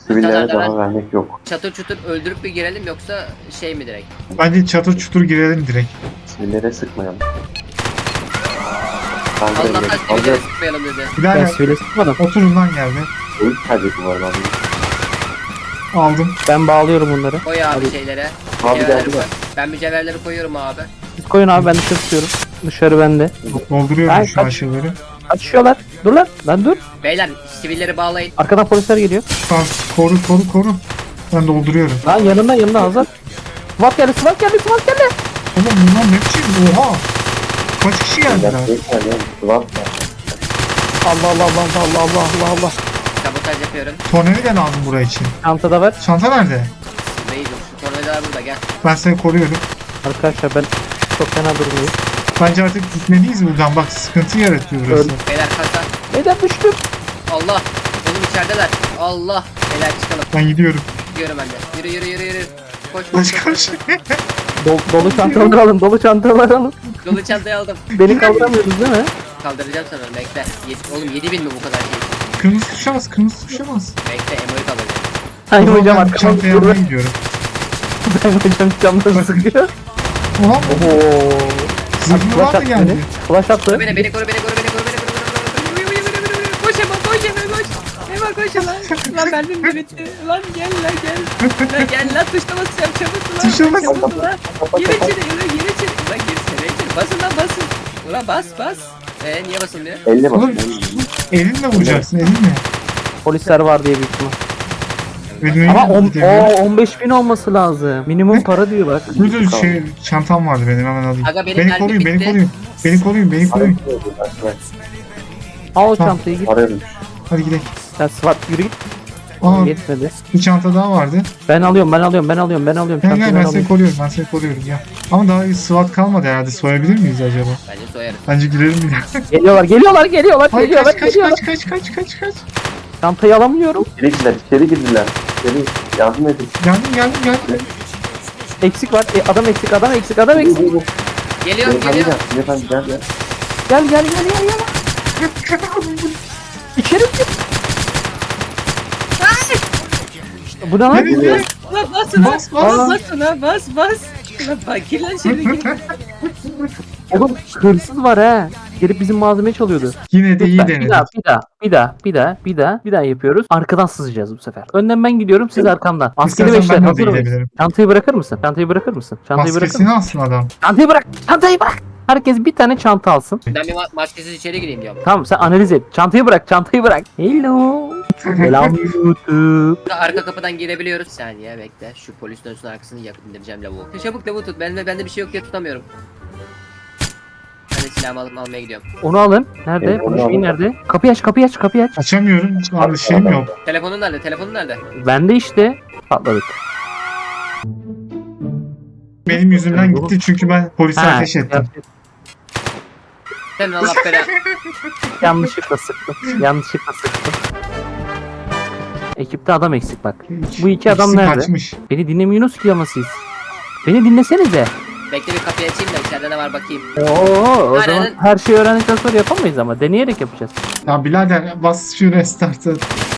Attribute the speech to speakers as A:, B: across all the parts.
A: Sivillere
B: Kadar
A: daha vermek yok.
B: çatır çutur öldürüp bir girelim yoksa şey mi direkt?
C: Bence çatır çutur girelim direkt.
A: Sivillere sıkmayalım. Kanka
B: Allah'tan
A: direkt
B: sivilleri
A: fazla
B: sıkmayalım dedi.
D: Ben
C: Birader
D: sivile sıkmadım.
C: oturun lan geldi.
A: oyun kaybeti var abi.
C: Aldım.
D: Ben bağlıyorum bunları.
B: Koy abi şeylere.
A: Abi
B: Mücevherleri
A: geldi
B: koy.
A: de.
B: Ben mücevherleri koyuyorum abi.
D: Siz koyun abi, ben dışarı tutuyorum. Dışarı bende.
C: Dolduruyorum
D: Ay,
C: şu
D: kaç.
C: aşağıları.
D: Açıyorlar. Dur lan. Lan dur.
B: Beyler sivilleri bağlayın.
D: Arkadan polisler geliyor.
C: Tamam koru. Ben dolduruyorum.
D: Lan yanında Hazar. SWAT geldi. SWAT geldi.
C: Oğlum bunlar ne biçim? Oha! Kaç kişi geldiler?
A: Sıvat
D: Allah.
B: Sabotaj yapıyorum.
C: Tornavida lazım buraya için.
D: Çantada ver.
C: Çanta nerede?
B: Beyler şu tornavidalar burada gel.
C: Ben seni koruyorum.
D: Arkadaşlar ben çok fena durmuyor.
C: Bence artık gitmeliyiz buradan. Bak sıkıntı yaratıyor burası.
D: Öldüm.
B: Beyler kasa.
D: Neden düştüm?
B: Allah. Oğlum içerideler. Allah. Beyler çıkalım.
C: Ben gidiyorum.
B: Gidiyorum ben de. Yürü. Koş.
C: Koş.
D: Dolu çantaları alın.
B: Dolu çantayı aldım.
D: Beni kaldıramıyorsunuz değil mi?
B: Kaldıracağım sana bekle. Oğlum 7000 mi bu kadar şey?
C: Kırmızı tuşa bas.
B: Bekle Emo'yu kaldıracağım.
D: Hayır
C: O zaman
D: hocam
C: ben
D: arkamda
C: çantayı
D: duruyor.
C: almaya gidiyorum.
D: Ben hocam camdan sıkıyor.
C: Oha!
D: Ooo.
C: Zırhlı var da geldi.
D: Flash attı.
B: Beni koru. Koş Emo koş. Emo koş lan. Lan mermim de bitti. Lan gel. Lan gel lan tuşla basacağım çabuk lan.
C: Tuşa bas.
B: Çabuk lan. Gir içeri. Lan girsene içeri. Basın. Ulan bas. Niye basılmıyor?
A: Elle bak.
C: Oğlum, elinle vuracaksın elinle.
D: Polisler var diye büyük ihtimal.
C: Elinle
D: Ama
C: gidiyor.
D: 15.000 olması lazım. Minimum para diyor bak.
C: Dur şey çantam vardı benim hemen alayım.
B: Aga, benim
C: Beni
B: mermi
C: koruyun,
B: bitti.
C: beni koruyun.
D: Al o
C: Tamam.
D: çantayı git.
A: Arıyorum.
C: Hadi gidelim.
D: Sen SWAT yürü git.
C: Aa,
D: Yetmedi.
C: bir çanta daha vardı.
D: Ben alıyorum.
C: Gel
D: Çantayı
C: ben seni
D: alıyorum.
C: koruyorum ya. Ama daha bir SWAT kalmadı herhalde. Soyabilir miyiz acaba?
B: Bence soyarız.
C: Bence girelim bir daha.
D: Geliyorlar.
C: Hayır kaç.
D: Çantayı alamıyorum.
A: İçeri girdiler. İçeri yardım edin.
C: Geldim.
D: Eksik var. Adam eksik.
B: Geliyorum.
A: Efendim gel.
D: Gel. İçeri gir. Bu ne lan?
C: Nereye?
B: Ulan basın lan.
C: Bas.
B: Bas. Ulan bak gir lan içeri gir.
D: Oğlum hırsız var ha. Gelip bizim malzemeyi çalıyordu.
C: Yine de iyi
D: Lütfen,
C: denedik.
D: bir daha yapıyoruz. Arkadan sızacağız bu sefer. Önden ben gidiyorum, siz arkamdan. Maskeli
C: İstersen
D: beşler
C: ben de
D: hazır mıyız?
C: gidebilirim.
D: Çantayı bırakır mısın? Çantayı bırakır mısın?
C: Maskesini alsın adam.
D: Çantayı bırak. Herkes bir tane çanta alsın.
B: Ben bir maskesiz içeri gireyim diyorum.
D: Tamam, sen analiz et. Çantayı bırak. Hello. Selam YouTube.
B: Arka kapıdan girebiliyoruz. Bir saniye bekle. Şu polis dönsün arkasını yakıp indireceğim lavuğu. Çabuk lavuğu tut. Bende bir şey yok diye tutamıyorum. Ben de silahımı alıp almaya gidiyorum.
D: Onu alın. Nerede?
A: Onu
D: Bu şey
A: alın.
D: nerede? Kapıyı aç.
C: Açamıyorum. Abi şeyim yok.
B: Telefonun nerede?
D: Bende işte. Patladık.
C: Benim yüzümden gitti çünkü ben polise ateş ettim.
B: Sen Allah bela.
D: Yanlışlıkla sıktım. Ekipte adam eksik bak. Bu iki adam
C: İkisi
D: nerede?
C: Kaçmış.
D: Beni dinlemiyorsunuz ki ama siz. Beni dinlesenize.
B: Bekle bir kapıyı açayım da içeride ne var bakayım.
D: Oo, o
B: Aynen.
D: zaman her şeyi öğrendikten sonra yapamayız ama deneyerek yapacağız.
C: Ya birader bas şu restartı.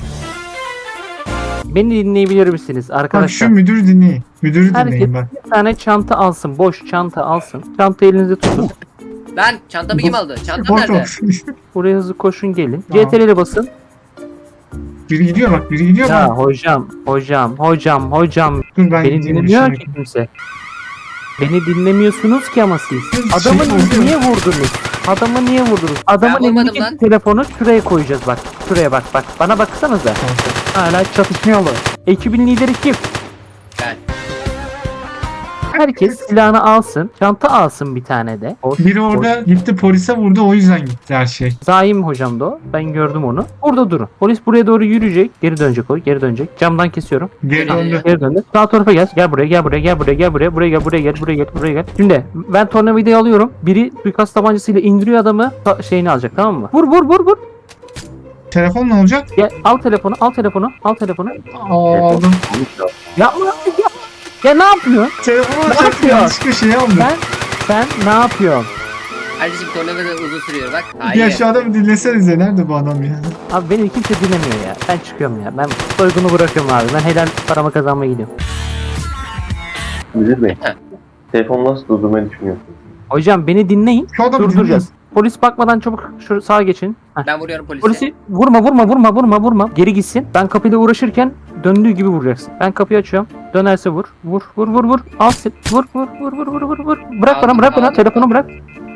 D: Beni dinleyebilir misiniz
C: Bak şu
D: arkadaşlar?
C: müdürü dinleyin. Müdürü
D: Herkes
C: dinleyin bak.
D: bir tane çanta alsın. Boş çanta alsın. Çanta elinize tutun.
B: Lan çantamı kim aldı? Çantam nerede?
D: Buraya hızlı koşun gelin.
C: Tamam.
D: CTRL'e basın.
C: Biri gidiyor bak.
D: Ya hocam.
C: Dur ben
D: Beni
C: gideyim
D: dinlemiyor
C: şimdi.
D: ki kimse. Beni dinlemiyorsunuz ki ama siz.
C: Şey
D: Adamı
C: oluyor.
D: niye vurdunuz? Adamın
B: Ben vurmadım
D: elindeki
B: lan.
D: telefonu şuraya koyacağız bak. Şuraya bak. Bana baksanıza. Hala çatışmıyorlar. Ekibin lideri kim?
B: Ben.
D: Herkes silahını alsın. Çanta alsın bir tane de.
C: Biri orada gitti polise vurdu o yüzden gitti her şey.
D: Zaim hocam da o. Ben gördüm onu. Burada durun. Polis buraya doğru yürüyecek. Geri dönecek o. Geri dönecek. Camdan kesiyorum.
C: Geri döndü.
D: Geri döndü. Sağ tarafa gel. Gel buraya. Buraya gel. Şimdi ben tornavidayı alıyorum. Biri suikast tabancasıyla indiriyor adamı. Şeyini alacak, tamam mı? Vur.
C: Telefon ne olacak?
D: Gel, al telefonu.
C: Aldım.
D: Yapma. Ya ne yapıyorsun?
C: Telefonu
D: Ne
C: alacaktım
D: yapıyor?
C: yanlışlıkla şey aldım.
D: Sen ne yapıyorsun?
B: Kardeşim tornavida da uzun sürüyor bak.
C: Bir
B: Hayır.
C: aşağıda bir dinlesenize. Nerede bu adam ya?
D: Abi beni kimse dinlemiyor ya. Ben çıkıyorum ya. Ben soygunu bırakıyorum abi. Ben helal paramı kazanmaya gidiyorum.
A: Müdür Bey.
B: He.
A: Telefonu nasıl durdurmayı düşünüyorsunuz?
D: Hocam beni dinleyin.
C: Şu adamı
D: Durduracağız. Polis bakmadan çabuk şu sağa geçin. Heh.
B: Ben vuruyorum polise.
D: Polisi vurma. Geri gitsin. Ben kapıyla uğraşırken döndüğü gibi vuracaksın. Ben kapıyı açıyorum. Dönerse vur. Vur. Al sen. Vur. Bırak bana.
B: Aldım.
D: Telefonu bırak.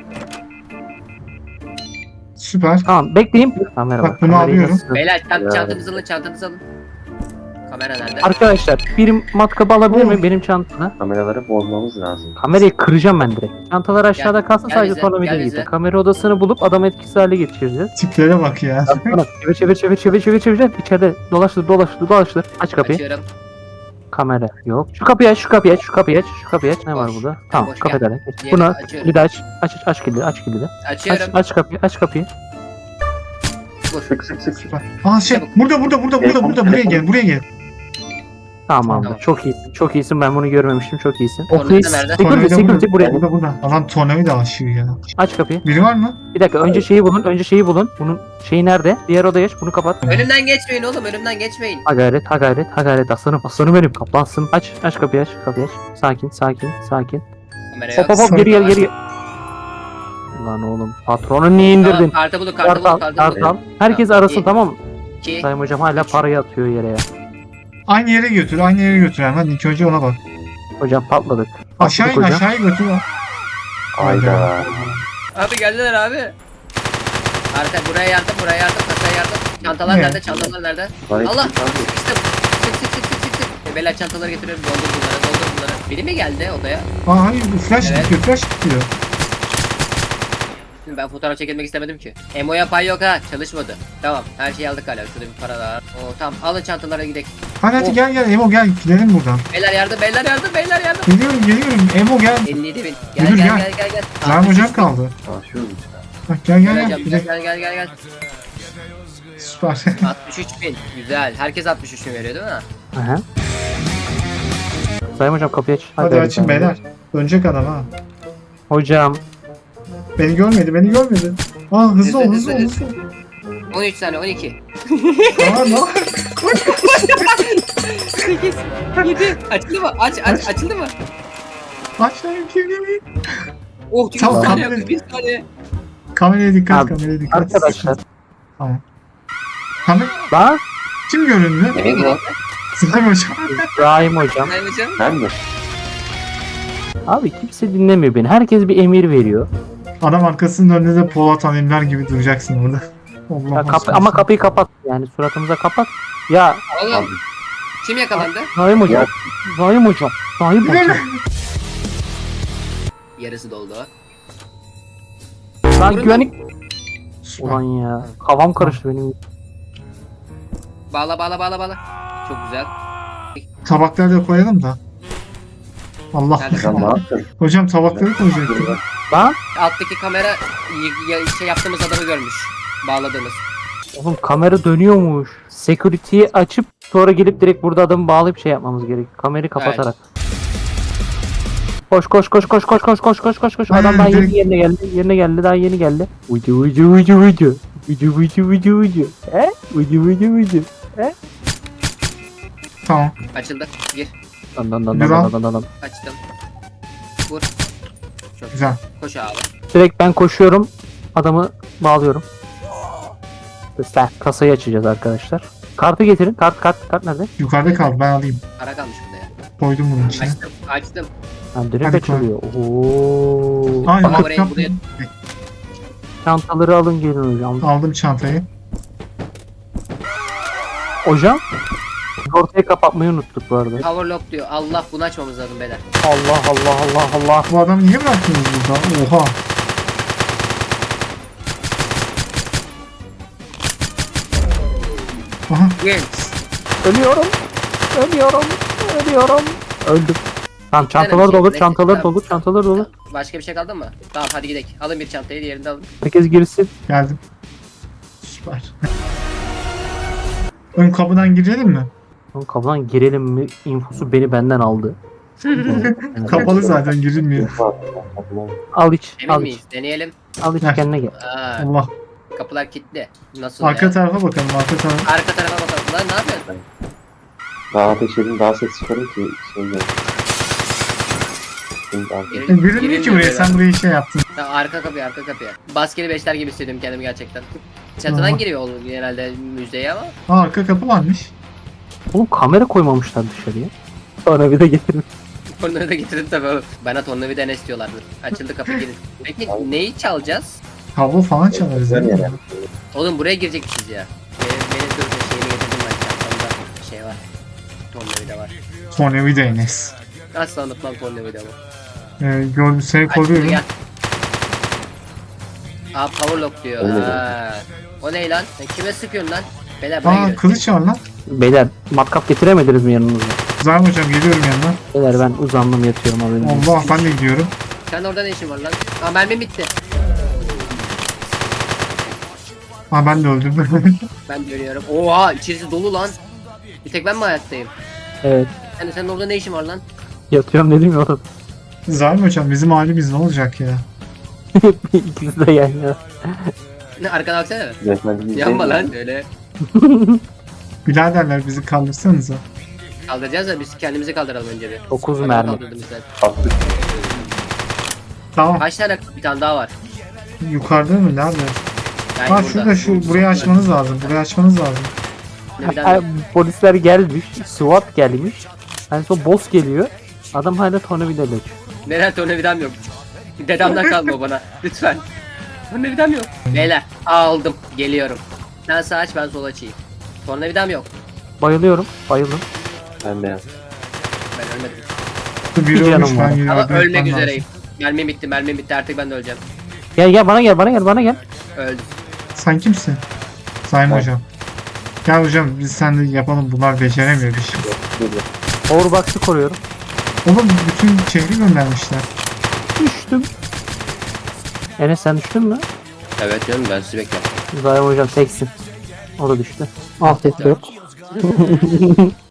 C: Süper.
D: Tamam bekleyin. Tamam merhaba.
C: Bak, bunu
D: Kamerayı
C: alıyorum.
D: nasıl-
B: Beyler
A: Ya.
B: çantanızı alın. Kamera nerede?
D: Arkadaşlar bir matkabı alabilir mi benim çantamda?
A: Kameraları bozmamız lazım.
D: Kamerayı kıracağım ben direkt. Çantalar aşağıda kalsın,
B: gel
D: sadece
B: bize,
D: tornavida
B: gel
D: gitti.
B: bize.
D: Kamera odasını bulup adamı etkisiz hale geçireceğiz.
C: Tiplere bak ya.
D: Bana çevir. İçeride dolaştır. Aç kapıyı.
B: Açıyorum.
D: Kamera yok. Şu kapıyı aç. Ne var
B: Boş.
D: burada? Tamam
B: Boş,
D: kapıda.
B: Diğerini
D: Bunu
B: açıyorum.
D: bir de aç. Aç kilidi.
B: Açıyorum.
D: Aç kapıyı.
B: Vur.
A: Sık.
C: Süper. Aa şey.
B: Çabuk.
C: Burada. Buraya gel.
D: Tamam.
B: Tamam.
D: Çok iyisin. Ben bunu görmemiştim. Çok iyisin.
B: Tornavida
D: Ofis.
B: nerede?
D: Security buraya.
C: Burada. Adam tornavida aşıyor ya.
D: Aç kapıyı.
C: Biri var mı?
D: Bir dakika önce şeyi bulun. Bunun şeyi nerede? Diğer odaya aç. Bunu kapat.
B: Önümden geçmeyin oğlum, önümden geçmeyin.
D: Ha gayret aslanım benim kaplansın. Aç kapıyı aç. Sakin.
B: Kamera yok.
D: Hop geri gel. Lan oğlum patronu niye indirdin?
B: Tamam, kartı bulun.
D: Kartal. Herkes arasın
B: İyi.
D: tamam mı?
B: 2.
D: Sayın hocam hala parayı atıyor yere ya.
C: Aynı yere götür hemen. İlk önce ona bak.
D: Hocam patladık.
C: Aşağı in
D: hocam.
C: aşağıya götür.
A: Hayda.
B: Abi geldiler abi. Arka buraya yardım, kasaya yardım. Çantalar
C: Ne?
B: nerede? Çantalar nerede?
A: Bana
B: Allah!
A: hiç-
B: Sıkıştım. Sık. Beyler çantaları getiriyorum. Doldur bunları. Biri mi geldi odaya?
C: Aa hayır flash
B: Evet.
C: bitiyor.
B: Şimdi ben fotoğraf çekilmek istemedim ki. Emo'ya pay yok ha. Çalışmadı. Tamam. Her şeyi aldık hala. Şurada bir para daha. Oo tamam. Alın çantalara gidelim.
C: Hadi
B: Oh.
C: gel Emo gel gidelim buradan.
B: Beyler yardım.
C: Geliyorum Emo gel.
B: 57 bin.
C: Müdür,
B: Gel.
C: Zahim hocam kaldı.
A: Çalışıyoruz işte.
C: Bak gel
B: Gel.
C: Süper.
B: 63 bin. Güzel. Herkes 63 bin veriyor değil mi?
D: Aha. Sayın hocam kapıyı aç.
C: Hadi
D: hadi,
C: açın
D: hadi.
C: beyler. Dönecek adam ha.
D: Hocam.
C: Beni görmedi. Aa hızlı ol.
B: 13 saniye 12.
C: Aa ne?
B: 8 7 açıldı mı? Açıldı mı?
C: Aç lan kimliğimi.
B: Oh 1
C: Tamam,
B: saniye.
C: kamerayı-
B: 1 saniye.
C: Kameraya dikkat,
D: Abi,
C: kameraya dikkat.
D: Arkadaşlar.
C: Tamam. Kamer
D: Lan.
C: kim göründü?
B: Evet bu.
C: Zahim hocam.
D: İbrahim hocam.
B: Sayın hocam.
A: Ben mi?
D: Abi kimse dinlemiyor beni. Herkes bir emir veriyor.
C: Adam arkasının önünde de Polat Alemdar gibi duracaksın orada. Allah
D: Ya
C: aşkına.
D: ama kapıyı kapat. Yani suratımıza kapat. Ya
B: Oğlum. Kim yakalandı?
D: Naim hocam. Naim hocam.
B: Yarısı doldu.
D: Lan
B: Vurun
D: güvenlik.
C: Süper.
D: Ulan ya. Kafam karıştı benim.
B: Bağla. Çok güzel.
C: Tabakları da koyalım da. Allah.
B: Nerede?
A: Sen ne yaptın?
C: Hocam tabakları koyacaktım.
D: Lan.
B: Alttaki kamera şey yaptığımız adamı görmüş. Bağladığımız.
D: Oğlum kamera dönüyormuş. Security'yi açıp sonra gelip direkt burada adamı bağlayıp şey yapmamız gerek. Kamerayı kapatarak. Koş.
C: Aynen,
D: Adam daha
C: direkt-
D: yerine geldi. Daha yeni geldi. Ucu. He? Ucu.
C: Tamam.
B: Açıldı. Gir.
D: Dan.
B: Açtım. Vur. Çok
C: Güzel.
B: Koş abi.
D: Direkt ben koşuyorum. Adamı bağlıyorum. Sen kasayı açacağız arkadaşlar. Kartı getirin. Kart nerede?
C: Yukarıda kaldı ben alayım.
B: Para kalmış burada ya.
C: Koydum bunun içine.
B: Açtım.
D: Ha, direkt
C: Hadi
D: açılıyor. Oo.
C: Ay,
B: Ama
C: bak,
B: buraya
D: Çantaları alın gelin hocam.
C: aldım çantayı.
D: Hocam. Ortayı kapatmayı unuttuk bu arada.
B: power lock diyor. Allah bunu açmamız lazım beyler.
D: Allah.
C: Bu adamı niye bıraktınız burada? Oha. Aha.
B: Gel.
D: Ölüyorum. Öldüm. Tamam çantalar dolur.
B: Başka bir şey kaldı mı? Tamam hadi gidelim. Alın bir çantayı, diğerini de alın.
D: Herkes girsin.
C: Geldim. Süper. Ön kapıdan girelim mi?
D: Oğlum kapıdan girelim mi? İnfosu beni benden aldı.
C: Kapalı zaten girilmiyor.
D: Al iç.
B: Emin
D: Al
B: miyiz?
D: iç.
B: Deneyelim.
D: Al iç
C: Heh.
D: kendine gel.
B: Aa,
C: Allah.
B: kapılar kilitli. Nasıl
C: Arka
B: ya?
C: tarafa bakalım arka tarafa.
B: Arka tarafa bakalım. Lan ne yapıyorsun?
A: Daha ateş edin daha ses çıkarın ki şey gelsin. Şimdi abi.
C: Girilmiyor ki buraya, sen burayı şey yaptın.
B: Ha, arka kapıya, arka kapıya. Baskeli beşler gibi hissediyorum kendimi gerçekten. Çatıdan
C: Aha.
B: giriyor olur genelde müzeye ama.
C: Aa, arka kapı varmış.
D: Oğlum kamera koymamışlar dışarıya. Sonra bir de getirmiş.
B: Tornavida getirdim tabii oğlum. Bana tornavida ne istiyorlardı. Açıldı kapı girin. Peki neyi çalacağız?
C: Kablo falan çalarız
A: Güzel
C: ya.
A: yani.
B: Oğlum buraya girecekmişiz ya. Benim dur şeyini getirdim ben çantamda. Şey var. Tornavida var.
C: Tornavida Enes.
B: Asla unutmam tornavida bu.
C: Gördüm seni
B: Açıldı
C: koruyorum.
B: gel. Aa power lock diyor.
A: O ne
B: Ha. O ne lan? Sen kime sıkıyorsun lan? Beyler buraya
C: Aa,
B: giriyoruz.
C: kılıç var lan.
D: Beyler matkap getiremediniz mi yanınıza?
C: Zahim hocam geliyorum yanına.
D: Beyler ben uzandım yatıyorum haberiniz olsun.
C: Allah, ben de gidiyorum.
B: Sen orada ne işin var lan? Aa mermim bitti.
C: Aa, ben de öldüm.
B: Ben dönüyorum. Oha içerisi dolu lan. Bir tek ben mi hayattayım?
D: Evet.
B: Senin orada ne işin var lan?
D: Yatıyorum dedim ya orada.
C: Zahim hocam bizim halimiz ne olacak ya?
D: İkisi de yan yana.
B: Ne arkana baksana.
A: Resmen
B: Yanma lan öyle.
C: Biraderler bizi kaldırsanıza.
B: Kaldıracağız da biz kendimizi kaldıralım önce bir.
D: 9
B: Bak,
D: mermi.
B: kaldırdım işte.
A: Attık.
C: Tamam.
B: Kaç tane bir tane daha var.
C: Yukarıda mı? Nerede?
B: Yani
C: Ha şurada, şu burayı açmanız lazım. Burayı açmanız lazım.
D: Ha, polisler gelmiş. SWAT gelmiş. En son boss geliyor. Adam hala tornavidayla açıyor.
B: Neden tornavidam yok? Dedemden kalma bana. Lütfen. Tornavidam yok. Beyler aldım. Geliyorum. Sen sağ aç ben sol açayım. Tornavidam yok.
D: Bayılıyorum. Bayıldım.
A: Ben de yaptım.
B: Ben ölmedim.
C: Biri
D: canım
C: ölmüş,
D: var.
C: ben yine
B: Ama
C: yardım
B: ölmek
C: etmem
B: üzereyim.
C: lazım.
B: Mermim bitti artık ben de öleceğim.
D: Gel gel bana gel bana gel bana gel.
B: Öldüm.
C: Sen kimsin? Zahim
A: Ben.
C: hocam. Gel hocam biz seninle yapalım, bunlar beceremiyor bir şey.
D: Powerbox'ı koruyorum.
C: Oğlum bütün şehri göndermişler.
D: Düştüm. Enes sen düştün mü?
B: Evet canım ben sizi bekliyorum.
D: Zahim hocam teksin. O da düştü. Alt et yok.